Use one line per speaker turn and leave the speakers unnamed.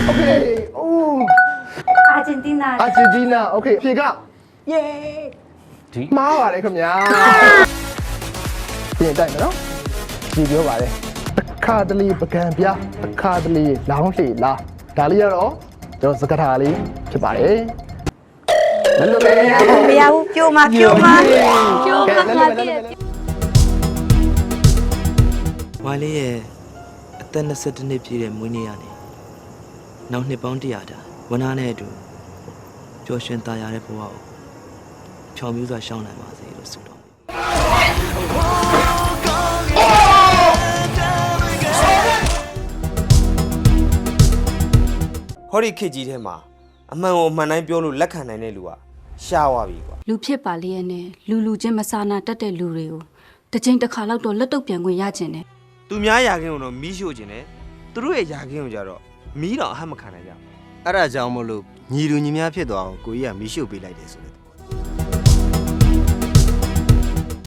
Okay အိုး
အာဂျင်တီးနာ
အာဂျင်တီးနာ Okay ဖြေက
ယေး
မှားပါတယ်ခင်ဗျာပြင်တိုက်မယ်နော်ကြည့်ပြောပါတယ်တစ်ခါတလေပကံပြတစ်ခါတလေလောင်းလှေလားဒါလေးကတော့ကျွန်တော်စကားထားလေးဖြစ်ပါတယ်မလွတ်ပဲ
မရဘူးပြိုမှာပြိုမှာပြိုမှာငါတည်း
ဝိုင်းလေးရဲ့အသက်22နှစ်ပြည့်တဲ့မွေးနေ့ကနေနောက်နှစ်ပေါင်း100တာဝနာနဲ့အတူပျော်ရွှင်သာယာတဲ့ဘဝကိုချောင်မျိုးစွာရှောင်းနိုင်ပါစေလို့ဆုတောင်း
ဟောဒီခေတ်ကြီးထဲမှာအမှန်ကိုအမှန်တိုင်းပြောလို့လက်ခံနိုင်တဲ့လူကရှားသွားပြီကွာ
လူဖြစ်ပါလေရဲ့နဲ့လူချင်းမစာနာတတ်တဲ့လူတွေကိုတစ်ချိန်တစ်ခါလောက်တော့လက်တော့ပြန်ခွင့်ရကျင်တယ်
သူများယာခင်းကိုတော့မီးရှို့ခြင်းနဲ့သူတို့ရဲ့ယာခင်းကိုကြတော့မီးတော့အဟတ်မခံနိုင်ကြဘူး
အဲ့ဒါကြောင့်မို့လို့ညီလူညီများဖြစ်သွားအောင်ကိုကြီးကမီးရှို့ပေးလိုက်တယ်ဆိုတဲ့